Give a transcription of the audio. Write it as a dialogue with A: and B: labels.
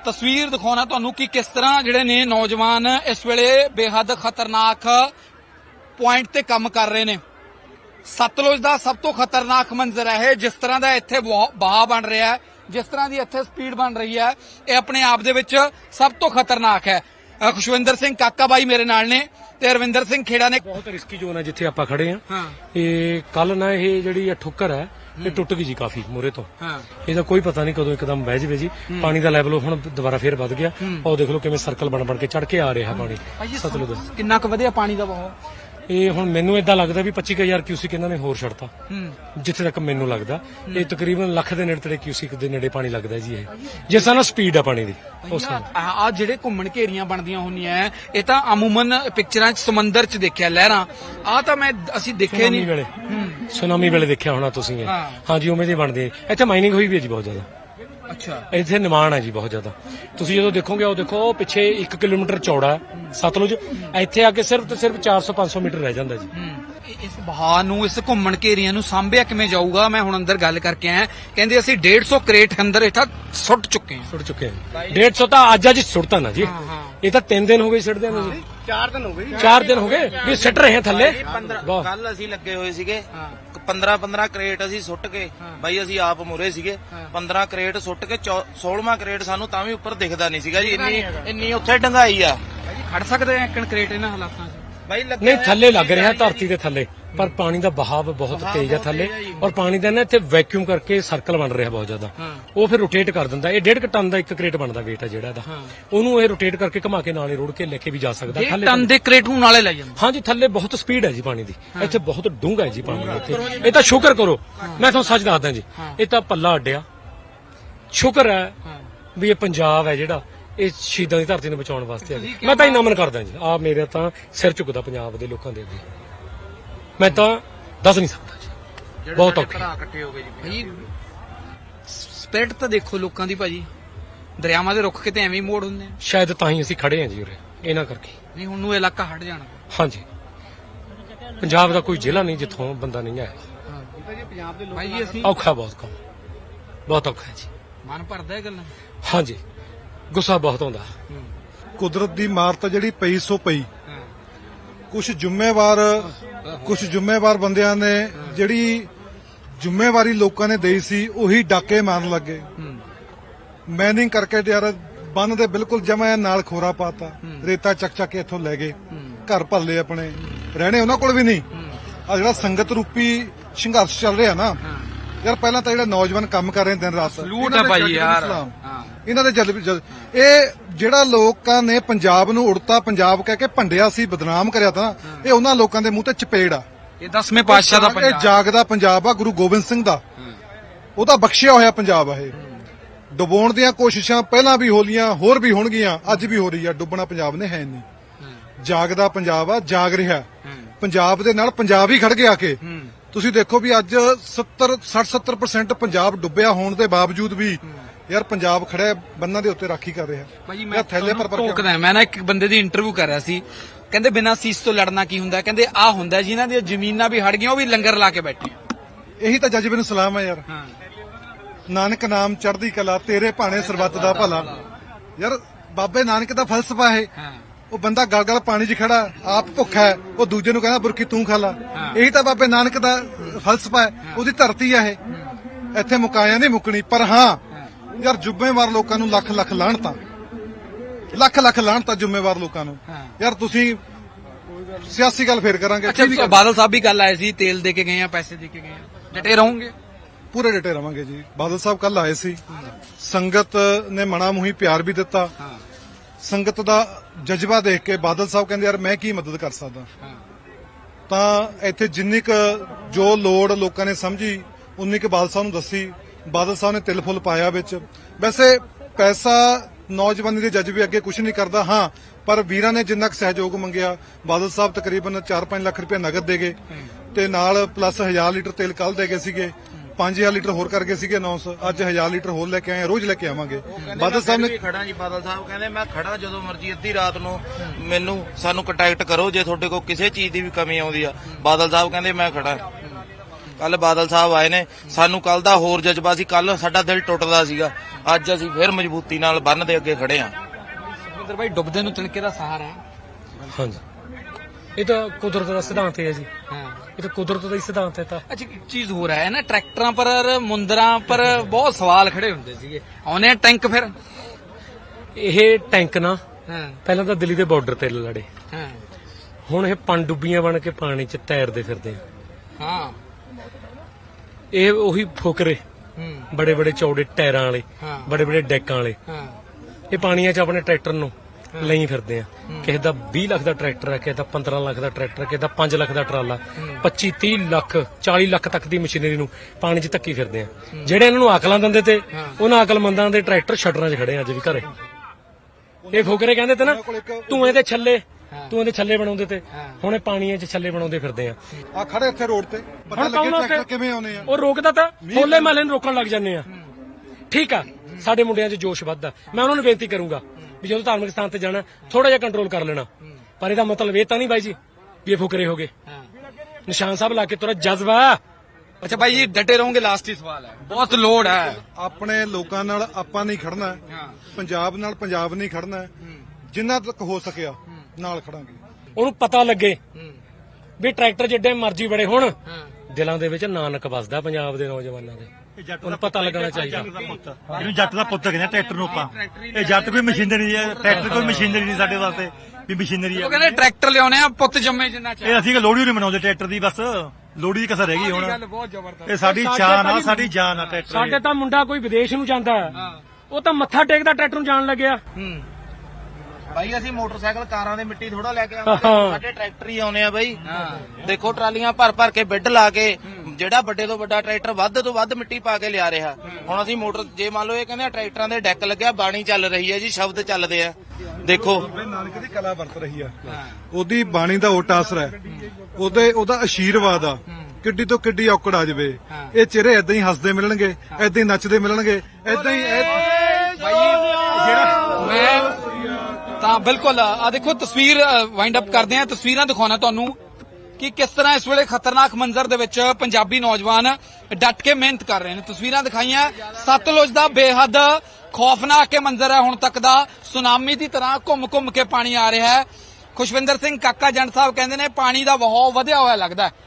A: ਤਸਵੀਰ ਦਿਖਾਉਣਾ ਤੁਹਾਨੂੰ ਕਿ ਕਿਸ ਤਰ੍ਹਾਂ ਜਿਹੜੇ ਨੇ ਨੌਜਵਾਨ ਇਸ ਵੇਲੇ ਬੇਹੱਦ ਖਤਰਨਾਕ ਪੁਆਇੰਟ ਤੇ ਕੰਮ ਕਰ ਰਹੇ ਨੇ। ਸਤਲੁਜ ਦਾ ਸਭ ਤੋਂ ਖਤਰਨਾਕ ਮੰਜ਼ਰ ਹੈ ਜਿਸ ਤਰ੍ਹਾਂ ਦਾ ਇੱਥੇ ਵਹਾਅ ਬਣ ਰਿਹਾ ਹੈ, ਜਿਸ ਤਰ੍ਹਾਂ ਦੀ ਇੱਥੇ ਸਪੀਡ ਬਣ ਰਹੀ ਹੈ, ਇਹ ਆਪਣੇ ਆਪ ਦੇ ਵਿੱਚ ਸਭ ਤੋਂ ਖਤਰਨਾਕ ਹੈ। ਖੁਸ਼ਵਿੰਦਰ ਸਿੰਘ ਕਾਕਾ ਬਾਈ ਮੇਰੇ ਨਾਲ ਨੇ ਤੇ ਰਵਿੰਦਰ ਸਿੰਘ ਖੇੜਾ ਨੇ।
B: ਬਹੁਤ ਰਿਸਕੀ ਜ਼ੋਨ ਹੈ ਜਿੱਥੇ ਆਪਾਂ ਖੜੇ ਹਾਂ। ਇਹ ਕੱਲ ਨਾ ਇਹ ਜਿਹੜੀ ਠੁੱਕਰ ਹੈ ਇਹ ਟੁੱਟ ਗਈ ਜੀ ਕਾਫੀ ਮੂਰੇ ਤੋਂ। ਇਹਦਾ ਕੋਈ ਪਤਾ ਨਹੀਂ ਕਦੋਂ ਇੱਕਦਮ ਬਹਿ ਜਾਵੇ ਜੀ। ਪਾਣੀ ਦਾ ਲੈਵਲ ਹੁਣ ਦੁਬਾਰਾ ਫੇਰ ਵੱਧ ਗਿਆ। ਉਹ ਦੇਖ ਲਓ ਕਿਵੇਂ ਸਰਕਲ ਬਣ ਕੇ ਚੜ ਕੇ ਆ ਰਿਹਾ ਪਾਣੀ ਸਤਲੁਜ ਦਾ।
A: ਕਿੰਨਾ ਕੁ ਵਧਿਆ ਪਾਣੀ ਦਾ ਵਹਾਅ?
B: ਇਹ ਹੁਣ ਮੈਨੂੰ ਇਦਾਂ ਲੱਗਦਾ ਵੀ 25,000 ਕਿਊਸਿਕ ਇਹਨਾਂ ਨੇ ਹੋਰ ਛੱਡਤਾ। ਜਿੱਥੇ ਤੱਕ ਮੈਨੂੰ ਲੱਗਦਾ ਇਹ ਤਕਰੀਬਨ ਲੱਖ ਦੇ ਨੇੜੇ ਕਿਊਸਿਕ ਦੇ ਨੇੜੇ ਪਾਣੀ ਲੱਗਦਾ ਜੀ। ਇਹ ਜਿਸ ਨਾਲ ਸਪੀਡ ਆ ਪਾਣੀ ਦੀ
A: ਆ ਜਿਹੜੇ ਘੁੰਮਣ ਘੇਰੀਆਂ ਬਣਦੀਆਂ ਹੁੰਦੀਆਂ ਇਹ ਤਾਂ ਅਮੂਮਨ ਪਿਕਚਰਾਂ 'ਚ ਸਮੁੰਦਰ 'ਚ ਦੇਖਿਆ ਲਹਿਰਾਂ। ਆ ਤਾਂ ਅਸੀਂ ਦੇਖੇ ਨਹੀਂ।
B: ਸੁਨਾਮੀ ਵੇਲੇ ਦੇਖਿਆ ਹੋਣਾ ਤੁਸੀਂ। ਹਾਂਜੀ ਉਵੇਂ ਦੀ ਬਣਦੀ। ਇੱਥੇ ਮਾਈਨਿੰਗ ਹੋਈ ਵੀ ਹੈ ਜੀ ਬਹੁਤ ਜ਼ਿਆਦਾ।
A: ਅੱਛਾ
B: ਇੱਥੇ ਨਿਮਾਣ ਹੈ ਜੀ ਬਹੁਤ ਜ਼ਿਆਦਾ। ਤੁਸੀਂ ਜਦੋਂ ਦੇਖੋਗੇ ਉਹ ਦੇਖੋ ਪਿੱਛੇ 1 ਕਿਲੋਮੀਟਰ ਚੌੜਾ ਸਤਲੁਜ, ਇੱਥੇ ਆ ਕੇ ਸਿਰਫ ਤੇ ਸਿਰਫ 400-500 ਮੀਟਰ ਰਹਿ ਜਾਂਦਾ ਜੀ।
A: ਇਸ ਬਹਾਅ ਨੂੰ, ਇਸ ਘੁੰਮਣ ਘੇਰੀਆਂ ਨੂੰ ਸਾਂਭਿਆ ਕਿਵੇਂ ਜਾਊਗਾ? ਮੈਂ ਹੁਣ ਅੰਦਰ ਗੱਲ ਕਰਕੇ ਆਇਆ, ਕਹਿੰਦੇ ਅਸੀਂ 150 ਕਰੇਟ ਅੰਦਰ ਇੱਥਾ ਸੁੱਟ ਚੁੱਕੇ ਹਾਂ।
B: 150 ਤਾਂ ਅੱਜ ਸੁੱਟਤਾ ਨਾ ਜੀ। ਇਹ ਤਾਂ 3 ਦਿਨ ਹੋ ਗਏ ਸਿੱਟਦੇ ਨੂੰ ਜੀ। 4 ਦਿਨ ਹੋ ਗਏ ਵੀ ਸਿੱਟ ਰਹੇ ਥੱਲੇ।
C: ਕੱਲ ਅਸੀਂ ਲੱਗੇ ਹੋਏ ਸੀਗੇ 15 ਕਰੇਟ ਅਸੀਂ ਸੁੱਟ ਕੇ, ਬਾਈ ਅਸੀਂ ਆਪ ਮੁਰੇ ਸੀਗੇ। 15 ਕਰੇਟ ਸੁੱਟ ਕੇ 16ਵਾਂ ਕਰੇਟ ਸਾਨੂੰ ਤਾਂ ਵੀ ਉੱਪਰ ਦਿਖਦਾ ਨਹੀਂ ਸੀਗਾ ਜੀ। ਇੰਨੀ ਉੱਥੇ ਡੰਗਾਈ ਆ।
A: ਖੜ ਸਕਦੇ ਆ ਇੱਕ ਕਰੇਟ ਇਹਨਾਂ ਹਾਲਾਤਾਂ 'ਚ?
C: ਬਾਈ
B: ਨਹੀਂ ਥੱਲੇ ਲੱਗ ਰਿਹਾ ਧਰਤੀ ਦੇ ਥੱਲੇ, ਪਰ ਪਾਣੀ ਦਾ ਬਹਾਵ ਬਹੁਤ ਤੇਜ਼ ਹੈ ਥੱਲੇ। ਔਰ ਪਾਣੀ ਦਾ ਨਾ ਇੱਥੇ ਵੈਕਿਊਮ ਕਰਕੇ ਸਰਕਲ ਬਣ ਰਿਹਾ ਬਹੁਤ ਜ਼ਿਆਦਾ। ਉਹ ਫਿਰ ਰੋਟੇਟ ਕਰ ਦਿੰਦਾ। ਇਹ 1.5 ਟਨ ਦਾ ਇੱਕ ਕਰੇਟ ਬਣਦਾ ਵੇਟ ਹੈ ਜਿਹੜਾ ਇਹਦਾ। ਉਹਨੂੰ ਇਹ ਰੋਟੇਟ ਕਰਕੇ ਘੁਮਾ ਕੇ ਨਾਲੇ ਰੋੜ ਕੇ ਲੈ ਕੇ ਵੀ ਜਾ ਸਕਦਾ।
A: 1 ਟਨ ਦੇ ਕਰੇਟ ਨੂੰ ਨਾਲੇ ਲੈ ਜਾਂਦਾ।
B: ਹਾਂਜੀ ਥੱਲੇ ਬਹੁਤ ਸਪੀਡ ਹੈ ਜੀ ਪਾਣੀ ਦੀ। ਇੱਥੇ ਬਹੁਤ ਡੂੰਘਾ ਹੈ ਜੀ ਪਾਣੀ ਇੱਥੇ। ਇਹ ਤਾਂ ਸ਼ੁਕਰ ਕਰੋ, ਮੈਂ ਤੁਹਾਨੂੰ ਸੱਚ ਦੱਸਦਾ ਜੀ, ਇਹ ਤਾਂ ਪੱਲਾ ਅੱਡਿਆ। ਸ਼ੁਕਰ ਹੈ ਵੀ ਇਹ ਪੰਜਾਬ ਹੈ ਜਿਹੜਾ ਇਹ ਸ਼ਹੀਦਾਂ ਦੀ ਧਰਤੀ ਨੂੰ ਬਚਾਉਣ ਵਾਸਤੇ ਆ। ਮੈਂ ਤਾਂ ਨਮਨ ਕਰਦਾ ਜੀ। ਆ ਮੇਰੇ ਤਾਂ ਸਿਰ ਝੁਕਦਾ ਪੰਜਾਬ ਦੇ ਲੋਕਾਂ ਦੇ ਅੱਗੇ। ਮੈਂ ਤਾਂ ਦੱਸ ਨਹੀਂ ਸਕਦਾ ਜੀ, ਬਹੁਤ ਔਖੇ
A: ਇਕੱਠੇ ਹੋ ਗਏ ਜੀ। ਸਪਿਰਿਟ ਤਾਂ ਦੇਖੋ ਲੋਕਾਂ ਦੀ ਭਾਜੀ। ਦਰਿਆਵਾਂ ਦੇ ਰੁੱਖ ਕਿਤੇ ਐਵੇਂ ਹੀ ਮੋੜ ਹੁੰਦੇ ਆ।
B: ਸ਼ਾਇਦ ਤਾਂ ਹੀ ਅਸੀਂ ਖੜੇ ਹਾਂ ਜੀ ਉਰੇ ਇਹਨਾਂ ਕਰਕੇ।
A: ਨਹੀਂ ਹੁਣ ਨੂੰ ਇਲਾਕਾ ਹਟ ਜਾਣਾ।
B: ਹਾਂਜੀ ਪੰਜਾਬ ਦਾ ਕੋਈ ਜ਼ਿਲ੍ਹਾ ਨਹੀਂ ਜਿੱਥੋਂ ਬੰਦਾ ਨਹੀਂ ਆਇਆ।
A: ਭਾਈ ਅਸੀਂ
B: ਔਖਾ ਬਹੁਤ ਕੰਮ, ਬਹੁਤ ਔਖਾ ਹੈ ਜੀ।
A: ਮਨ ਭਰਦਾ ਇਹ ਗੱਲਾਂ।
B: ਹਾਂਜੀ ਗੁੱਸਾ ਬਹੁਤ ਆਉਂਦਾ।
D: ਕੁਦਰਤ ਦੀ ਮਾਰ ਤਾਂ ਜਿਹੜੀ ਪਈ ਸੋ ਪਈ। ਕੁਝ ਜ਼ਿੰਮੇਵਾਰ ਬੰਦਿਆਂ ਨੇ ਜਿਹੜੀ ਜ਼ਿੰਮੇਵਾਰੀ ਲੋਕਾਂ ਨੇ ਦੇਈ ਸੀ ਉਹੀ ਡਾਕੇ ਮਾਰਨ ਲੱਗੇ। ਮੈਨਿੰਗ ਕਰਕੇ ਤੇ ਯਾਰ ਬੰਨ ਦੇ ਬਿਲਕੁਲ ਜਮਾ ਨਾਲ ਖੋਰਾ ਪਾਤਾ। ਰੇਤਾ ਚੱਕ ਕੇ ਇੱਥੋਂ ਲੈ ਗਏ, ਘਰ ਭੱਲੇ ਆਪਣੇ ਰਹਿਣੇ ਉਹਨਾਂ ਕੋਲ ਵੀ ਨਹੀਂ। ਆ ਜਿਹੜਾ ਸੰਗਤ ਰੂਪੀ ਸੰਘਰਸ਼ ਚੱਲ ਰਿਹਾ ਨਾ ਯਾਰ, ਪਹਿਲਾਂ ਤਾਂ ਜਿਹੜਾ ਨੌਜਵਾਨ ਕੰਮ ਕਰ ਰਹੇ ਦਿਨ ਰਾਤ,
A: ਸਲੂਟ ਹੈ ਭਾਈ ਯਾਰ।
D: ਇਹਨਾਂ ਦੇ ਇਹ ਜਿਹੜਾ ਲੋਕਾਂ ਨੇ ਪੰਜਾਬ ਨੂੰ ਉੜਤਾ ਪੰਜਾਬ ਕਹਿ ਕੇ ਭੰਡਿਆ ਸੀ, ਬਦਨਾਮ ਕਰਿਆ ਤਾਂ ਇਹ ਉਹਨਾਂ ਲੋਕਾਂ ਦੇ ਮੂੰਹ ਤੇ ਚਪੇੜ ਆ।
A: ਇਹ 10ਵੇਂ ਪਾਤਸ਼ਾਹ ਦਾ ਪੰਜਾਬ,
D: ਇਹ ਜਾਗਦਾ ਪੰਜਾਬ ਆ, ਗੁਰੂ ਗੋਬਿੰਦ ਸਿੰਘ ਦਾ, ਉਹਦਾ ਬਖਸ਼ਿਆ ਹੋਇਆ ਪੰਜਾਬ ਆ। ਇਹ ਡੁਬੋਣ ਦੀਆਂ ਕੋਸ਼ਿਸ਼ਾਂ ਪਹਿਲਾਂ ਵੀ ਹੋ ਲੀਆਂ, ਹੋਰ ਵੀ ਹੋਣਗੀਆਂ, ਅੱਜ ਵੀ ਹੋ ਰਹੀ ਆ। ਡੁੱਬਣਾ ਪੰਜਾਬ ਨੇ ਹੈ ਨਹੀਂ। ਜਾਗਦਾ ਪੰਜਾਬ ਆ, ਜਾਗ ਰਿਹਾ ਪੰਜਾਬ ਦੇ ਨਾਲ ਪੰਜਾਬ ਹੀ ਖੜ ਗਿਆ ਕੇ। ਤੁਸੀਂ ਦੇਖੋ ਵੀ ਅੱਜ 60-70% ਪੰਜਾਬ ਡੁੱਬਿਆ ਹੋਣ ਦੇ ਬਾਵਜੂਦ ਵੀ ਯਾਰ ਪੰਜਾਬ ਖੜਿਆ ਬੰਨਾਂ ਦੇ ਉੱਤੇ ਰਾਖੀ ਕਰ ਰਿਹਾ।
A: ਭਾਜੀ ਮੈਂ ਥੈਲੇ ਪਰ ਟੋਕਦਾ। ਮੈਂ ਨਾ ਇੱਕ ਬੰਦੇ ਦੀ ਇੰਟਰਵਿਊ ਕਰ ਰਿਹਾ ਸੀ, ਕਹਿੰਦੇ ਬਿਨਾਂ ਸੀਸ ਤੋਂ ਲੜਨਾ ਕੀ ਹੁੰਦਾ? ਕਹਿੰਦੇ ਆ ਹੁੰਦਾ ਜਿਨ੍ਹਾਂ ਦੀਆਂ ਜ਼ਮੀਨਾਂ ਵੀ ਹੜ ਗਈਆਂ ਉਹ ਵੀ ਲੰਗਰ ਲਾ ਕੇ ਬੈਠੇ।
D: ਇਹੀ ਤਾਂ ਜਜ਼ਬੇ ਨੂੰ ਸਲਾਮ ਹੈ ਯਾਰ। ਨਾਨਕ ਨਾਮ ਚੜ੍ਹਦੀ ਕਲਾ, ਤੇਰੇ ਭਾਣੇ ਸਰਬੱਤ ਦਾ ਭਲਾ। ਯਾਰ ਬਾਬੇ ਨਾਨਕ ਦਾ ਫਲਸਫਾ ਹੈ। ਉਹ ਬੰਦਾ ਗਲ ਗਲ ਪਾਣੀ 'ਚ ਖੜਾ, ਆਪ ਭੁੱਖਾ ਹੈ, ਉਹ ਦੂਜੇ ਨੂੰ ਕਹਿੰਦਾ ਬੁਰਕੀ ਤੂੰ ਖਾ ਲਾ। ਇਹੀ ਤਾਂ ਬਾਬੇ ਨਾਨਕ ਦਾ ਫਲਸਫਾ ਹੈ। ਉਹਦੀ ਧਰਤੀ ਆ ਇਹ। ਇੱਥੇ ਮੁਕਾਇਆ ਨਹੀਂ ਮੁੱਕਣੀ। ਪਰ ਹਾਂ ਯਾਰ ਜ਼ਿੰਮੇਵਾਰ ਲੋਕਾਂ ਨੂੰ ਲੱਖ ਲੱਖ ਲਾਹਣਤਾਂ, ਲੱਖ ਲੱਖ ਲਾਹਣਤਾਂ ਜ਼ਿੰਮੇਵਾਰ ਲੋਕਾਂ ਨੂੰ। ਯਾਰ ਤੁਸੀਂ ਸਿਆਸੀ ਗੱਲ ਫੇਰ ਕਰਾਂਗੇ।
A: ਅੱਛਾ ਬਾਦਲ ਸਾਹਿਬ ਵੀ ਕੱਲ ਆਏ ਸੀ, ਤੇਲ ਦੇ ਕੇ ਗਏ ਆ, ਪੈਸੇ ਦੇ ਕੇ ਗਏ ਆ। ਡਟੇ ਰਹੋਗੇ?
D: ਪੂਰੇ ਡਟੇ ਰਵਾਂਗੇ ਜੀ। ਬਾਦਲ ਸਾਹਿਬ ਕੱਲ ਆਏ ਸੀ, ਸੰਗਤ ਨੇ ਮਣਾ ਮੂੰਹੀ ਪਿਆਰ ਵੀ ਦਿੱਤਾ। ਸੰਗਤ ਦਾ ਜਜ਼ਬਾ ਦੇਖ ਕੇ ਬਾਦਲ ਸਾਹਿਬ ਕਹਿੰਦੇ ਯਾਰ ਮੈਂ ਕੀ ਮਦਦ ਕਰ ਸਕਦਾ। ਤਾਂ ਇੱਥੇ ਜਿੰਨੀ ਕੁ ਜੋ ਲੋੜ ਲੋਕਾਂ ਨੇ ਸਮਝੀ ਉਨੀ ਕੁ ਬਾਦਲ ਸਾਹਿਬ ਨੂੰ ਦੱਸੀ। ਬਾਦਲ ਸਾਹਿਬ ਨੇ ਤਿਲ ਫੁੱਲ ਪਾਇਆ ਵਿੱਚ। ਵੈਸੇ ਪੈਸਾ ਨੌਜਵਾਨੀ ਦੇ ਜਜ਼ਬੇ ਅੱਗੇ ਕੁਝ ਨਹੀਂ ਕਰਦਾ। ਹਾਂ ਪਰ ਵੀਰਾਂ ਨੇ ਜਿੰਨਾ ਕੁ ਸਹਿਯੋਗ ਮੰਗਿਆ, ਬਾਦਲ ਸਾਹਿਬ ਤਕਰੀਬਨ 4-5 ਲੱਖ ਰੁਪਏ ਨਗਦ ਦੇ ਗਏ ਤੇ ਨਾਲ ਪਲੱਸ 1000 ਲੀਟਰ ਤੇਲ ਕੱਲ ਦੇ ਗਏ ਸੀਗੇ। 5000 ਲੀਟਰ ਹੋਰ ਕਰ ਗਏ ਸੀਗੇ ਅਨਾਉਂਸ। ਅੱਜ 1000 ਲੀਟਰ ਹੋਰ ਲੈ ਕੇ ਆਏ, ਰੋਜ਼ ਲੈ ਕੇ ਆਵਾਂਗੇ। ਬਾਦਲ ਸਾਹਿਬ ਨੇ
C: ਖੜਾ ਜੀ। ਬਾਦਲ ਸਾਹਿਬ ਕਹਿੰਦੇ ਮੈਂ ਖੜਾ ਜਦੋਂ ਮਰਜ਼ੀ ਅੱਧੀ ਰਾਤ ਨੂੰ ਸਾਨੂੰ ਕੰਟੈਕਟ ਕਰੋ ਜੇ ਤੁਹਾਡੇ ਕੋਲ ਕਿਸੇ ਚੀਜ਼ ਦੀ ਵੀ ਕਮੀ ਆਉਂਦੀ ਆ। ਬਾਦਲ ਸਾਹਿਬ ਕਹਿੰਦੇ ਮੈਂ ਖੜਾ। ਕੱਲ ਬਾਦਲ ਸਾਹਿਬ ਆਏ ਨੇ, ਸਾਨੂੰ ਕੱਲ ਦਾ ਹੋਰ ਜਜ਼ਬਾ ਸੀ, ਕੱਲ ਸਾਡਾ ਦਿਲ ਟੁੱਟਦਾ ਸੀਗਾ, ਅੱਜ ਅਸੀਂ ਫਿਰ ਮਜ਼ਬੂਤੀ ਨਾਲ ਬੰਨ ਦੇ ਅੱਗੇ ਖੜੇ ਆ।
A: ਸੁਖਵਿੰਦਰ ਭਾਈ ਡੁੱਬਦੇ ਨੂੰ ਤਿਣਕੇ ਦਾ ਸਹਾਰਾ ਹੈ।
B: ਹਾਂਜੀ, ਇਹ ਤਾਂ ਕੁਦਰਤ ਦਾ ਸਿਧਾਂਤ ਹੈ ਜੀ,
A: ਹਾਂ
B: ਇਹ ਤਾਂ ਕੁਦਰਤ ਦਾ ਹੀ ਸਿਧਾਂਤ ਹੈ। ਤਾਂ
A: ਅੱਛਾ ਇੱਕ ਚੀਜ਼ ਹੋ ਰਿਹਾ ਹੈ ਨਾ, ਟਰੈਕਟਰਾਂ ਪਰ ਮੁੰਦਰਾਂ ਪਰ ਬਹੁਤ ਸਵਾਲ ਖੜੇ ਹੁੰਦੇ ਸੀਗੇ, ਆਉਨੇ ਟੈਂਕ ਫਿਰ।
B: ਇਹ ਟੈਂਕ ਨਾ
A: ਹਾਂ
B: ਪਹਿਲਾਂ ਤਾਂ ਦਿੱਲੀ ਦੇ ਬਾਰਡਰ ਤੇ ਲੜੇ,
A: ਹਾਂ
B: ਹੁਣ ਇਹ ਪਣਡੁੱਬੀਆਂ ਬਣ ਕੇ ਪਾਣੀ 'ਚ ਤੈਰਦੇ ਫਿਰਦੇ ਆ।
A: ਹਾਂ
B: ਇਹ ਉਹੀ ਫੋਕਰੇ,
A: ਹੂੰ
B: ਬੜੇ ਬੜੇ ਚੌੜੇ ਟਾਇਰਾਂ ਵਾਲੇ,
A: ਹਾਂ
B: ਬੜੇ ਬੜੇ ਡੈਕਾਂ ਵਾਲੇ,
A: ਹਾਂ
B: ਇਹ ਪਾਣੀਆਂ 'ਚ ਆਪਣੇ ਟਰੈਕਟਰ ਨੂੰ ਲਈ ਫਿਰਦੇ ਆ। ਕਿਸੇ ਦਾ 20 ਲੱਖ ਦਾ ਟਰੈਕਟਰ ਹੈ, ਕਿਸੇ ਦਾ 15 ਲੱਖ ਦਾ ਟਰੈਕਟਰ, ਕਿਸੇ ਦਾ 5 ਲੱਖ ਦਾ ਟਰਾਲਾ, 25 30 ਲੱਖ 40 ਲੱਖ ਤੱਕ ਦੀ ਮਸ਼ੀਨਰੀ ਨੂੰ ਪਾਣੀ 'ਚ ਧੱਕੀ ਫਿਰਦੇ ਆ। ਜਿਹੜੇ ਇਹਨਾਂ ਨੂੰ ਅਕਲਾਂ ਦਿੰਦੇ ਤੇ ਉਹਨਾਂ ਅਕਲਮੰਦਾਂ ਦੇ ਟਰੈਕਟਰ ਸ਼ਟਰਾਂ 'ਚ ਖੜੇ ਆ ਅੱਜ ਵੀ ਘਰੇ। ਇਹ ਫੋਕਰੇ ਕਹਿੰਦੇ ਤੇ ਨਾ ਧੂਏ ਦੇ ਛੱਲੇ, ਧੂਏ ਦੇ ਛੱਲੇ ਬਣਾਉਂਦੇ ਤੇ, ਹੁਣ ਇਹ ਪਾਣੀਆਂ 'ਚ ਛੱਲੇ ਬਣਾਉਂਦੇ ਫਿਰਦੇ ਆ।
D: ਆ ਖੜੇ ਇੱਥੇ ਰੋਡ ਤੇ ਪਤਾ
B: ਹੁਣ
D: ਲੱਗੇ
B: ਕੌਣ
D: ਟਰੈਕਟਰ ਕਿਵੇਂ ਆਉਨੇ ਆ।
B: ਉਹ ਰੋਕਦਾ ਤਾਂ ਹੋਲੇ ਮਹੱਲੇ ਨੂੰ ਰੋਕਣ ਲੱਗ ਜਾਂਦੇ ਆ। ਠੀਕ ਆ, ਸਾਡੇ ਮੁੰਡਿਆਂ 'ਚ ਜੋਸ਼ ਵੱਧਦਾ, ਮੈਂ ਉਹਨਾਂ ਨੂੰ ਬੇਨਤੀ ਕਰੂੰਗਾ ਵੀ ਜਦੋਂ ਧਾਰਮਿਕ ਸਥਾਨ ਤੇ ਜਾਣਾ ਥੋੜਾ ਜਿਹਾ ਕੰਟਰੋਲ ਕਰ ਲੈਣਾ, ਪਰ ਇਹਦਾ ਮਤਲਬ ਇਹ ਤਾਂ ਨਹੀਂ ਬਾਈ ਜੀ ਵੀ ਇਹ ਫੁਕਰੇ ਹੋ ਗਏ। ਨਿਸ਼ਾਨ ਸਾਹਿਬ ਲਾ ਕੇ ਤੁਰਾ ਜਜ਼ਬਾ।
A: ਅੱਛਾ ਭਾਈ ਜੀ ਡਟੇ ਰਹੋਗੇ, ਲਾਸਟ ਹੀ ਸਵਾਲ ਹੈ, ਬਹੁਤ ਲੋੜ ਹੈ।
D: ਆਪਣੇ ਲੋਕਾਂ ਨਾਲ ਆਪਾਂ ਨਹੀਂ ਖੜਨਾ, ਪੰਜਾਬ ਨਾਲ ਪੰਜਾਬ ਨਹੀਂ ਖੜਨਾ, ਜਿੰਨਾ ਤੱਕ ਹੋ ਸਕਿਆ ਨਾਲ ਖੜਾਂਗੇ।
B: ਉਹਨੂੰ ਪਤਾ ਲੱਗੇ ਵੀ ਟਰੈਕਟਰ ਜਿੱਡੇ ਮਰਜ਼ੀ ਬੜੇ ਹੋਣ, ਦਿਲਾਂ ਦੇ ਵਿੱਚ ਨਾਨਕ ਵੱਸਦਾ ਪੰਜਾਬ ਦੇ ਨੌਜਵਾਨਾਂ ਦੇ, ਉਹਨੂੰ ਪਤਾ ਲੱਗਣਾ ਚਾਹੀਦਾ।
E: ਇਹਨੂੰ ਜੱਟ ਦਾ ਪੁੱਤ ਕਹਿੰਦੇ ਟਰੈਕਟਰ ਨੂੰ ਆਪਾਂ, ਇਹ ਜੱਟ ਕੋਈ ਮਸ਼ੀਨਰੀ ਹੈ, ਟਰੈਕਟਰ ਕੋਈ ਮਸ਼ੀਨਰੀ ਨਹੀਂ ਸਾਡੇ ਵਾਸਤੇ ਵੀ ਮਸ਼ੀਨਰੀ
A: ਉਹ
E: ਹੈ।
A: ਕਹਿੰਦੇ ਟਰੈਕਟਰ ਲਿਆਉਣੇ ਆ ਪੁੱਤ ਜੰਮੇ ਜਿੰਨਾ ਚਾਹੀਦਾ।
E: ਇਹ ਅਸੀਂ ਕਿ ਲੋਹੜੀ ਨਹੀਂ ਮਨਾਉਂਦੇ ਟਰੈਕਟਰ ਦੀ, ਬਸ ਲੋਹੜੀ ਦੀ ਕਸਰ ਰਹਿ ਗਈ ਹੁਣ।
A: ਗੱਲ ਬਹੁਤ ਜ਼ਬਰਦਸਤ।
E: ਇਹ ਸਾਡੀ ਜਾਨ ਆ, ਸਾਡੀ ਜਾਨ ਆ ਟਰੈਕਟਰ।
B: ਸਾਡੇ ਤਾਂ ਮੁੰਡਾ ਕੋਈ ਵਿਦੇਸ਼ ਨੂੰ ਜਾਂਦਾ ਹੈ, ਉਹ ਤਾਂ ਮੱਥਾ ਟੇਕਦਾ ਟਰੈਕਟਰ ਨੂੰ ਜਾਣ ਲੱਗਿਆ।
C: ਬਾਈ ਅਸੀਂ ਮੋਟਰਸਾਈਕਲ ਕਾਰਾਂ ਦੇ ਮਿੱਟੀ ਥੋੜਾ ਲੈ ਕੇ ਆਉਂਦੇ, ਸਾਡੇ ਟਰੈਕਟਰ ਹੀ ਆਉਨੇ ਆ ਬਾਈ। ਦੇਖੋ ਟਰਾਲੀਆਂ ਭਰ ਭਰ ਕੇ ਬੈੱਡ ਲਾ ਕੇ, ਜਿਹੜਾ ਵੱਡੇ ਤੋਂ ਵੱਡਾ ਟਰੈਕਟਰ ਵੱਧ ਤੋਂ ਵੱਧ ਮਿੱਟੀ ਪਾ ਕੇ ਲਿਆ ਰਿਹਾ। ਹੁਣ ਅਸੀਂ ਮੋਟਰ, ਜੇ ਮੰਨ ਲਓ ਇਹ ਕਹਿੰਦੇ ਆ ਟਰੈਕਟਰਾਂ ਦੇ ਡੈਕ ਲੱਗਿਆ, ਬਾਣੀ ਚੱਲ ਰਹੀ ਹੈ ਜੀ, ਸ਼ਬਦ ਚੱਲਦੇ ਆ। ਦੇਖੋ
D: ਨਾਨਕ ਦੀ ਕਲਾ ਵਰਤ ਰਹੀ ਆ, ਉਹਦੀ ਬਾਣੀ ਦਾ ਓਟ ਆਸਰਾ ਹੈ, ਉਹਦਾ ਆਸ਼ੀਰਵਾਦ ਆ। ਕਿੱਡੀ ਤੋਂ ਕਿੱਡੀ ਔਕੜ ਆ ਜਾਵੇ, ਇਹ ਚਿਹਰੇ ਏਦਾਂ ਹੀ ਹੱਸਦੇ ਮਿਲਣਗੇ, ਏਦਾਂ ਹੀ ਨੱਚਦੇ ਮਿਲਣਗੇ, ਏਦਾਂ ਹੀ
A: ਮੈਂ ਤਾਂ ਬਿਲਕੁਲ ਆ ਦੇਖੋ ਤਸਵੀਰ ਵਾਈਂਡ ਅਪ ਕਰਦੇ ਆ, ਤਸਵੀਰਾਂ ਦਿਖਾਉਣਾ ਤੁਹਾਨੂੰ ਕਿ ਕਿਸ ਤਰ੍ਹਾਂ ਇਸ ਵੇਲੇ ਖਤਰਨਾਕ ਮੰਜ਼ਰ ਦੇ ਵਿੱਚ ਪੰਜਾਬੀ ਨੌਜਵਾਨ ਡਟ ਕੇ ਮਿਹਨਤ ਕਰ ਰਹੇ ਨੇ। ਤਸਵੀਰਾਂ ਦਿਖਾਈਆਂ, ਸਤਲੁਜ ਦਾ ਬੇਹੱਦ ਖੌਫਨਾਕ ਇਹ ਮੰਜ਼ਰ ਹੈ, ਹੁਣ ਤੱਕ ਦਾ ਸੁਨਾਮੀ ਦੀ ਤਰ੍ਹਾਂ ਘੁੰਮ ਘੁੰਮ ਕੇ ਪਾਣੀ ਆ ਰਿਹਾ ਹੈ। ਖੁਸ਼ਵਿੰਦਰ ਸਿੰਘ ਕਾਕਾ ਜੰਡ ਸਾਹਿਬ ਕਹਿੰਦੇ ਨੇ ਪਾਣੀ ਦਾ ਵਹਾਅ ਵਧਿਆ ਹੋਇਆ ਲੱਗਦਾ ਹੈ।